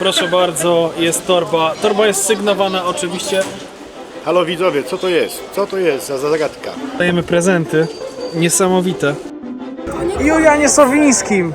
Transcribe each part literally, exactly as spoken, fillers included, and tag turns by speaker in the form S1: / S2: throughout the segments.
S1: Proszę bardzo, jest torba. Torba jest sygnowana oczywiście.
S2: Halo widzowie, co to jest? Co to jest za zagadka?
S1: Dajemy prezenty. Niesamowite. Julianie Sowińskim.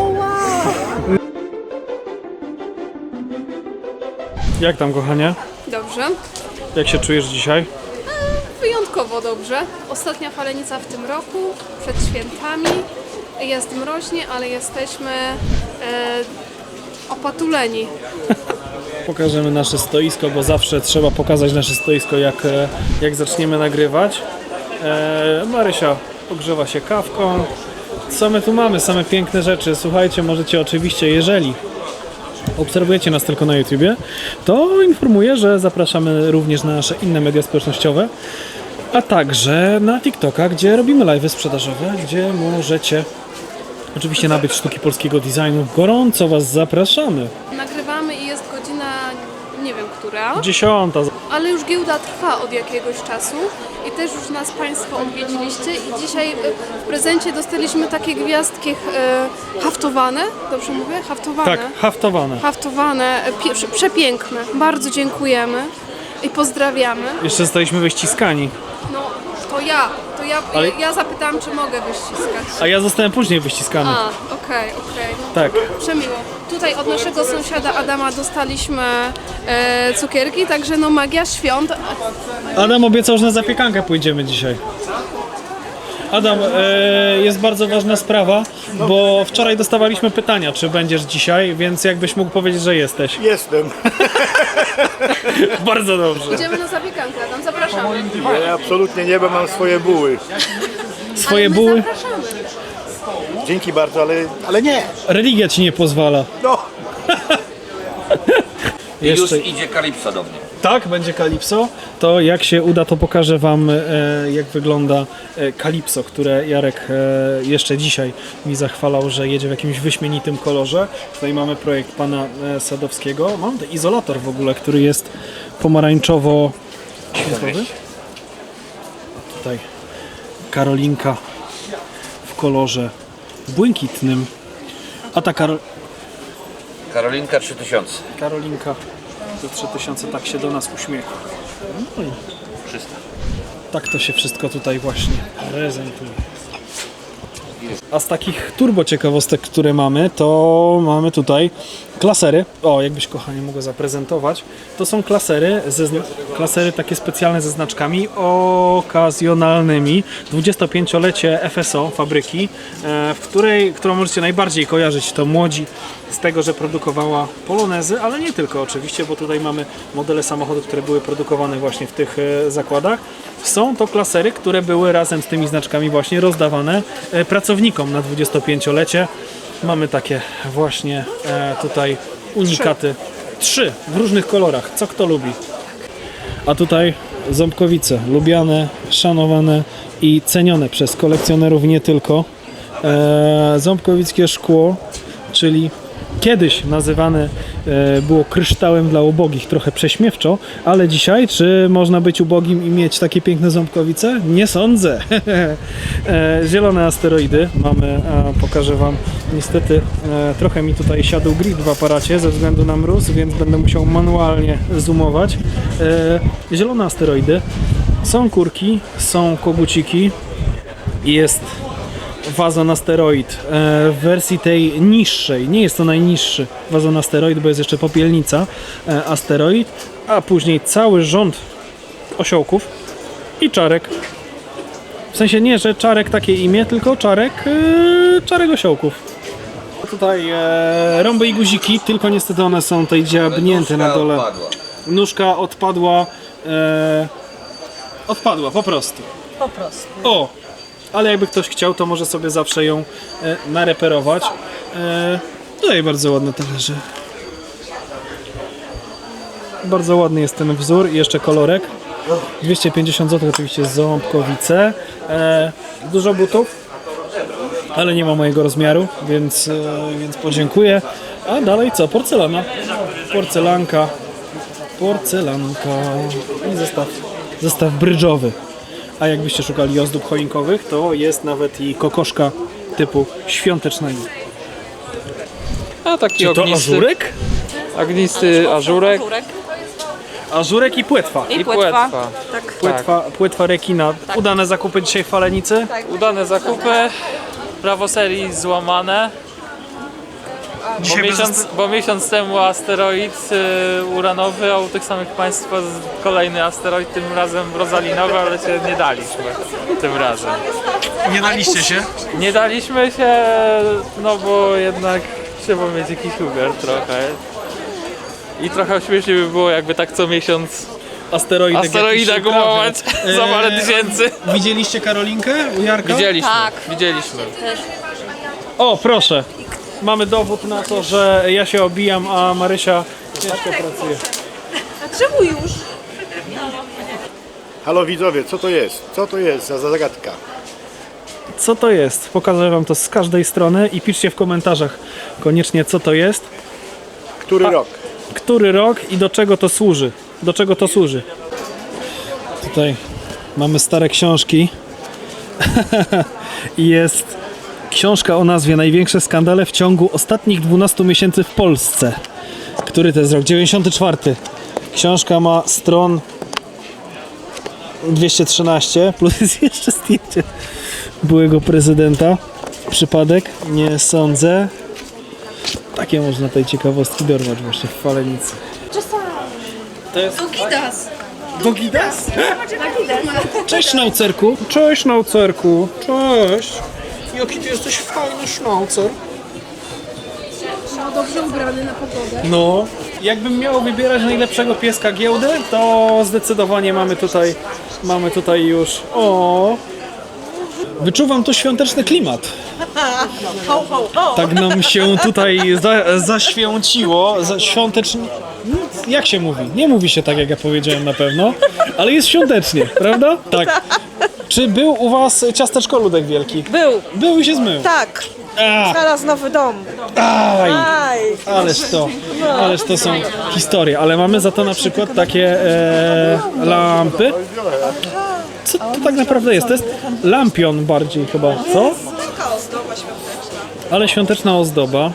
S1: Jak tam, kochanie?
S3: Dobrze.
S1: Jak się czujesz dzisiaj?
S3: Wyjątkowo dobrze. Ostatnia falenica w tym roku, przed świętami. Jest mroźnie, ale jesteśmy e, opatuleni.
S1: Pokażemy nasze stoisko, bo zawsze trzeba pokazać nasze stoisko, jak, e, jak zaczniemy nagrywać. E, Marysia ogrzewa się kawką. Co my tu mamy? Same piękne rzeczy. Słuchajcie, możecie oczywiście, jeżeli obserwujecie nas tylko na YouTubie, to informuję, że zapraszamy również na nasze inne media społecznościowe, a także na TikToka, gdzie robimy live'y sprzedażowe, gdzie możecie oczywiście nabyć sztuki polskiego designu. Gorąco Was zapraszamy.
S3: Nagrywamy i jest godzina, nie wiem która,
S1: Dziesiąta.
S3: ale już giełda trwa od jakiegoś czasu i też już nas Państwo odwiedziliście i dzisiaj e, w prezencie dostaliśmy takie gwiazdki e, haftowane, dobrze mówię? Haftowane.
S1: Tak, haftowane.
S3: Haftowane, e, pie, prze- przepiękne. Bardzo dziękujemy i pozdrawiamy.
S1: Jeszcze zostaliśmy wyściskani.
S3: No, to ja, to ja,
S1: Ale-
S3: ja, ja zapytałam, czy mogę wyściskać.
S1: A ja zostałem później wyściskany.
S3: A, okej, okej. No,
S1: Tak.
S3: przemiło. Tutaj od naszego sąsiada Adama dostaliśmy e, cukierki, także no magia świąt.
S1: Adam obiecał, że na zapiekankę pójdziemy dzisiaj. Adam, e, jest bardzo ważna sprawa, bo wczoraj dostawaliśmy pytania, czy będziesz dzisiaj, więc jakbyś mógł powiedzieć, że jesteś.
S2: Jestem.
S1: Bardzo dobrze.
S3: Idziemy na zapiekankę, Adam, zapraszamy.
S2: Ja absolutnie nie, bo mam swoje buły.
S1: Swoje
S3: Ale my
S1: buły,
S3: zapraszamy.
S2: Dzięki bardzo, ale, ale nie.
S1: religia ci nie pozwala.
S2: No.
S4: I już
S1: Jeszcze,
S4: idzie Kalipso do mnie.
S1: tak, będzie Kalipso. To jak się uda, to pokażę Wam, e, jak wygląda e, Kalipso, które Jarek e, jeszcze dzisiaj mi zachwalał, że jedzie w jakimś wyśmienitym kolorze. Tutaj mamy projekt pana e, Sadowskiego. Mam ten izolator w ogóle, który jest pomarańczowo-świetlny. Tutaj Karolinka w kolorze błękitnym. A ta Karol...
S4: Karolinka trzy tysiące.
S1: Karolinka za trzy tysiące tak się do nas uśmiecha. No i
S4: trzysta.
S1: tak to się wszystko tutaj właśnie prezentuje. A z takich turbo ciekawostek, które mamy, to mamy tutaj klasery. O, jakbyś kochanie mogła zaprezentować. To są klasery, ze zna- klasery takie specjalne ze znaczkami okazjonalnymi. dwudziestopięciolecie F S O fabryki, e, w której, którą możecie najbardziej kojarzyć, to Młodzi, z tego, że produkowała polonezy, ale nie tylko oczywiście, bo tutaj mamy modele samochodów, które były produkowane właśnie w tych e, zakładach. Są to klasery, które były razem z tymi znaczkami właśnie rozdawane e, pracownikom na dwudziestopięciolecie. Mamy takie właśnie e, tutaj unikaty. Trzy w różnych kolorach, co kto lubi. A tutaj ząbkowice, lubiane, szanowane i cenione przez kolekcjonerów nie tylko. E, ząbkowickie szkło, czyli kiedyś nazywane e, było kryształem dla ubogich, trochę prześmiewczo, ale dzisiaj, czy można być ubogim i mieć takie piękne ząbkowice? Nie sądzę. e, zielone asteroidy mamy, e, pokażę Wam, niestety e, trochę mi tutaj siadł grid w aparacie ze względu na mróz, więc będę musiał manualnie zoomować. E, zielone asteroidy, są kurki, są koguciki, jest wazon asteroid e, w wersji tej niższej, nie jest to najniższy wazon asteroid, bo jest jeszcze popielnica e, asteroid, a później cały rząd osiołków i czarek. W sensie nie, że czarek takie imię, tylko czarek, e, czarek osiołków. Tutaj e, rąby i guziki, tylko niestety one są tutaj dziabnięte na dole.
S4: Odpadła.
S1: Nóżka odpadła, e, odpadła po prostu.
S5: Po prostu.
S1: O! Ale jakby ktoś chciał, to może sobie zawsze ją e, nareperować. E, tutaj bardzo ładne talerze. Bardzo ładny jest ten wzór i jeszcze kolorek. dwieście pięćdziesiąt złotych oczywiście ząbkowice. E, dużo butów, ale nie ma mojego rozmiaru, więc, e, więc podziękuję. A dalej co? Porcelana. Porcelanka. Porcelanka. I zestaw, zestaw brydżowy. A jakbyście szukali ozdób choinkowych, to jest nawet i kokoszka typu świątecznego.
S6: A taki
S1: Czy to
S6: ognisty.
S1: ażurek?
S5: Agnisty ażurek
S1: Ażurek i płetwa.
S5: i płetwa.
S1: Płetwa, płetwa rekina. Udane zakupy dzisiaj w Falenicy.
S5: Udane zakupy, prawo serii złamane. Bo
S1: Dzisiaj bez
S5: miesiąc, bo miesiąc temu asteroid y, uranowy, a u tych samych państwa z- kolejny asteroid, tym razem rozalinowy, ale się nie daliśmy tym razem.
S1: Nie daliście się?
S5: Nie daliśmy się, no bo jednak trzeba mieć jakiś umiar trochę. I trochę śmiesznie by było, jakby tak co miesiąc
S1: Asteroidek
S5: asteroida
S1: jakiś
S5: gumować
S1: uprawia.
S5: za parę
S1: Eee,
S5: tysięcy.
S1: Widzieliście Karolinkę u Jarka?
S5: Widzieliśmy, widzieliśmy.
S1: O, proszę. Mamy dowód na to, że ja się obijam, a Marysia ciężko pracuje.
S3: A czemu już?
S2: Halo widzowie, co to jest? Co to jest za zagadka?
S1: Co to jest? Pokażę wam to z każdej strony i piszcie w komentarzach koniecznie, co to jest,
S2: Który rok?
S1: który rok i do czego to służy. Do czego to służy. Tutaj mamy stare książki. I jest książka o nazwie Największe skandale w ciągu ostatnich dwunastu miesięcy w Polsce. Który to jest rok? dziewięćdziesiąty czwarty. Książka ma stron dwieście trzynaście, plus jest jeszcze zdjęcie byłego prezydenta. Przypadek? Nie sądzę. Takie można tej ciekawostki dorwać właśnie w Falenicy. To jest
S3: Gidas.
S1: Dogidas? Cześć Sznaucerku. Cześć Sznaucerku. Cześć. Jaki ty jesteś fajny Sznaucer.
S3: Dobrze ubrany na pogodę.
S1: No. Jakbym miał wybierać najlepszego pieska giełdy, to zdecydowanie mamy tutaj, mamy tutaj już, o. Wyczuwam tu świąteczny klimat. Tak nam się tutaj za, zaświęciło, za, świątecznie, jak się mówi? Nie mówi się tak, jak ja powiedziałem na pewno, ale jest świątecznie, prawda? Tak. Czy był u was ciasteczko Ludek Wielki?
S6: Był,
S1: Był i się zmył.
S6: tak.
S1: A,
S6: Znalazł nowy dom.
S1: aj.
S6: Aj.
S1: Ależ to, ależ to są historie, ale mamy za to na przykład takie e, lampy. Co to tak naprawdę jest? To jest lampion bardziej chyba, co?
S6: Taka ozdoba świąteczna.
S1: Ale świąteczna ozdoba.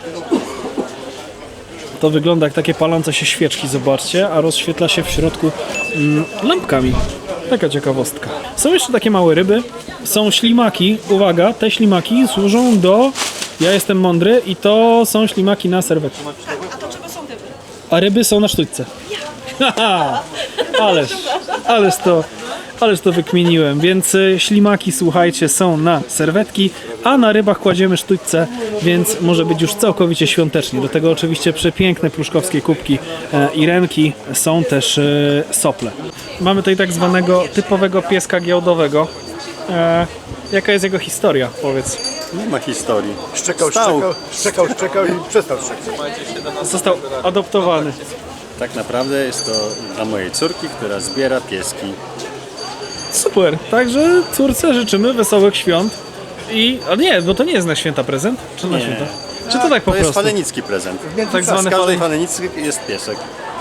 S1: To wygląda jak takie palące się świeczki, zobaczcie, a rozświetla się w środku mm, lampkami. Taka ciekawostka. Są jeszcze takie małe ryby. Są ślimaki. Uwaga, te ślimaki służą do... Ja jestem mądry i to są ślimaki na serwetki.
S6: A to czego są ryby?
S1: A ryby są na sztućce. Haha, ależ, ależ to, ależ to wykminiłem. Więc y, ślimaki, słuchajcie, są na serwetki, a na rybach kładziemy sztućce, więc może być już całkowicie świątecznie. Do tego oczywiście przepiękne pruszkowskie kubki e, i renki, są też e, sople. Mamy tutaj tak zwanego typowego pieska giełdowego. E, jaka jest jego historia, powiedz?
S7: Nie ma historii.
S2: Szczekał,
S7: Stał.
S2: szczekał, szczekał, szczekał i przestał szczekać.
S1: Został adoptowany.
S7: Tak naprawdę jest to dla mojej córki, która zbiera pieski.
S1: Super, także córce życzymy wesołych świąt i... A nie, bo to nie jest na święta prezent? Czy na
S7: Nie.
S1: święta? Czy to tak po
S7: To jest
S1: prostu?
S7: falenicki prezent.
S1: Tak
S7: Z
S1: zwany
S7: każdej
S1: falen...
S7: falenicy jest piesek.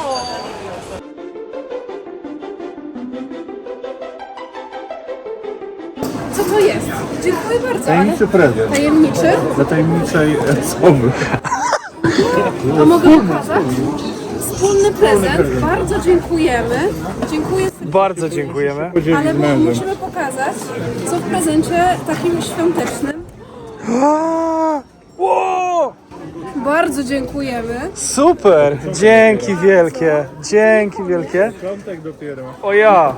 S3: Co to jest? Dziękuję bardzo. Tajemniczy prezent. Tajemniczy?
S2: Dla tajemniczej osoby.
S3: A mogę pokazać? Wspólny prezent. Bardzo dziękujemy. Dziękuję serdecznie.
S1: Bardzo dziękujemy.
S3: Ale mu- musimy pokazać, co w prezencie takim świątecznym.
S1: Wow!
S3: Bardzo dziękujemy.
S1: Super! Dzięki wielkie, dzięki wielkie. O ja!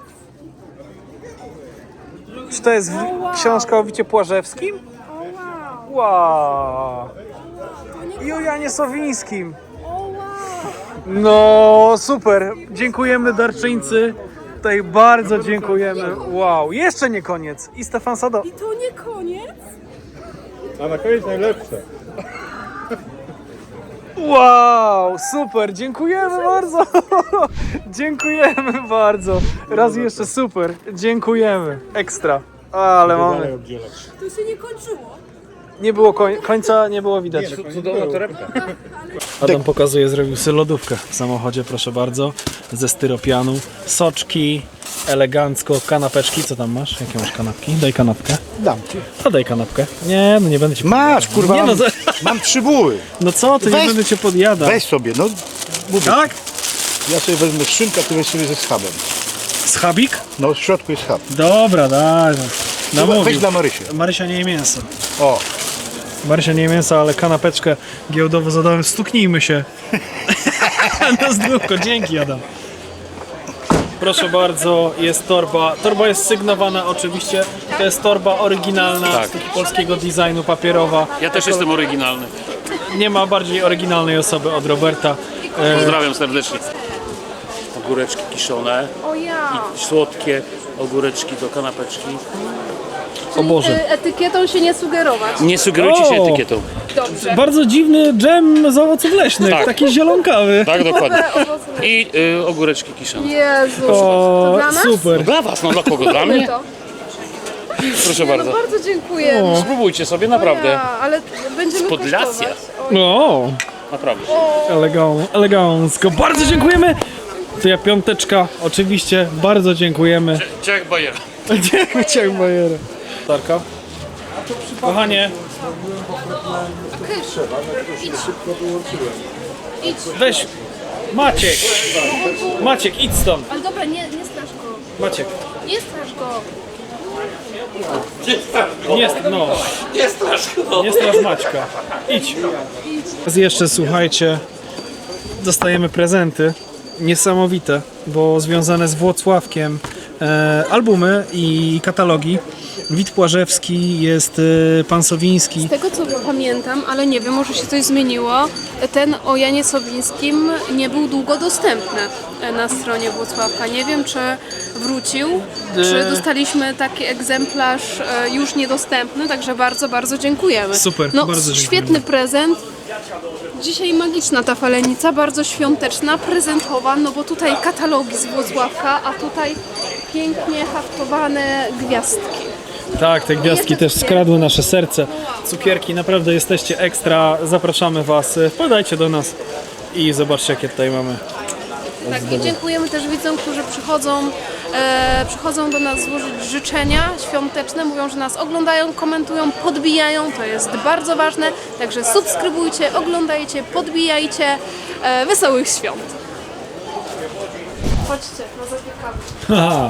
S1: Czy to jest w- książka o Wicie Płażewskim? Wow! I o Janie Sowińskim. No super! Dziękujemy darczyńcy. Tutaj bardzo dziękujemy. Wow! Jeszcze nie koniec. I Stefan Sado.
S3: I to nie koniec.
S2: A na koniec najlepsze.
S1: Wow, super, dziękujemy bardzo. Dziękujemy bardzo. Raz jeszcze super, dziękujemy. Ekstra. Ale mamy.
S3: To się nie kończyło.
S1: Nie było koń- końca, nie było widać.
S4: Cudowna torebka.
S1: Adam pokazuje, zrobił sobie lodówkę w samochodzie, proszę bardzo. Ze styropianu. Soczki, elegancko, kanapeczki. Co tam masz? Jakie masz kanapki? Daj kanapkę.
S2: Dam ci.
S1: A daj kanapkę. Nie, no nie będę ci...
S2: Masz, kurwa.
S1: Nie no, za...
S2: Mam trzy buły.
S1: No co, to nie
S2: Weź-
S1: będę cię podjadał.
S2: Weź sobie, no. Mówię,
S1: Tak?
S2: ja sobie wezmę szynkę, a ty weź sobie ze schabem.
S1: Schabik?
S2: No w środku jest schab.
S1: Dobra, daj.
S2: No,
S1: Namówił.
S2: weź dla Marysi.
S1: Marysia nie je mięso.
S2: O,
S1: Marysia nie je mięso, ale kanapeczkę giełdowo zadałem. Stuknijmy się. Na zdrówko, dzięki Adam. Proszę bardzo, jest torba. Torba jest sygnowana oczywiście. To jest torba oryginalna, z takiego polskiego designu, papierowa.
S8: Ja też jestem oryginalny.
S1: Nie ma bardziej oryginalnej osoby od Roberta.
S8: Pozdrawiam serdecznie. Ogóreczki kiszone,
S3: O ja!
S8: słodkie ogóreczki do kanapeczki.
S1: O Boże.
S3: Y, Etykietą się nie sugerować.
S8: Nie sugerujcie się
S1: O!
S8: etykietą.
S3: Dobrze.
S1: Bardzo dziwny dżem z owoców leśnych,
S8: Tak.
S1: taki zielonkawy.
S8: Tak, dokładnie. I y, ogóreczki kiszone.
S3: Jezu. To
S1: O,
S3: dla nas?
S1: super.
S8: Dla was, no dla kogo? Dla
S3: My
S8: mnie?
S3: to.
S8: Proszę
S3: No
S8: bardzo.
S3: bardzo dziękuję.
S8: Spróbujcie sobie, naprawdę.
S3: Ja, ale będziemy
S8: Podlasia.
S3: kosztować. Oj.
S1: O,
S8: Naprawdę.
S1: elegan, elegancko. Bardzo dziękujemy. To ja piąteczka, oczywiście, bardzo dziękujemy.
S8: Ciech Bajer.
S1: Dziękuję Cię, Bajerę. Tarka. Kochanie,
S3: Idź. Idź.
S1: weź. Maciek. Maciek, idź stąd.
S3: Ale dobra, nie, nie strasz go.
S1: Maciek.
S3: Nie strasz go.
S1: Nie, no. Nie strasz Nie strasz Maćka. Idź. Teraz jeszcze słuchajcie, dostajemy prezenty niesamowite, bo związane z Włocławkiem e, albumy i katalogi. Wit Płażewski, jest e, pan Sowiński.
S3: Z tego co pamiętam, ale nie wiem, może się coś zmieniło, ten o Janie Sowińskim nie był długo dostępny na stronie Włocławka. Nie wiem, czy wrócił, czy dostaliśmy taki egzemplarz e, już niedostępny, także bardzo, bardzo dziękujemy.
S1: Super,
S3: no,
S1: bardzo dziękujemy.
S3: świetny prezent. Dzisiaj magiczna ta falenica, bardzo świąteczna, prezentowa, no bo tutaj katalogi z Włocławka, a tutaj pięknie haftowane gwiazdki.
S1: Tak, te gwiazdki też skradły nasze serce. Cukierki, naprawdę jesteście ekstra. Zapraszamy Was. Wpadajcie do nas i zobaczcie, jakie tutaj mamy.
S3: Tak, i dziękujemy też widzom, którzy przychodzą, e, przychodzą do nas złożyć życzenia świąteczne, mówią, że nas oglądają, komentują, podbijają, to jest bardzo ważne, także subskrybujcie, oglądajcie, podbijajcie, e, wesołych świąt. Chodźcie, na zapiekamy.
S1: Haha.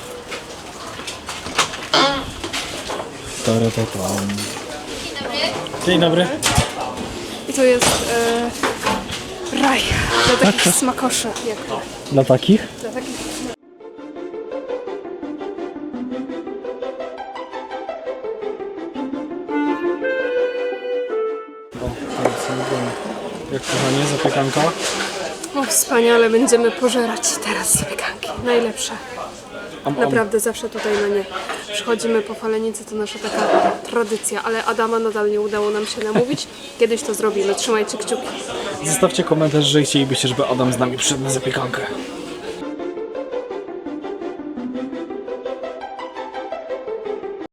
S1: Taratam. Dzień dobry.
S3: I to jest e, raj dla takich smakoszy jak to.
S1: Dla takich?
S3: Dla takich...
S1: Jak kochanie, zapiekanka?
S3: O, wspaniale, będziemy pożerać teraz zapiekanki, najlepsze.
S1: Am, am.
S3: Naprawdę zawsze tutaj na nie przychodzimy po falenicy, to nasza taka tradycja, ale Adama nadal nie udało nam się namówić. Kiedyś to zrobimy, trzymajcie kciuki.
S1: Zostawcie komentarz, że chcielibyście, żeby Adam z nami przyszedł na zapiekankę.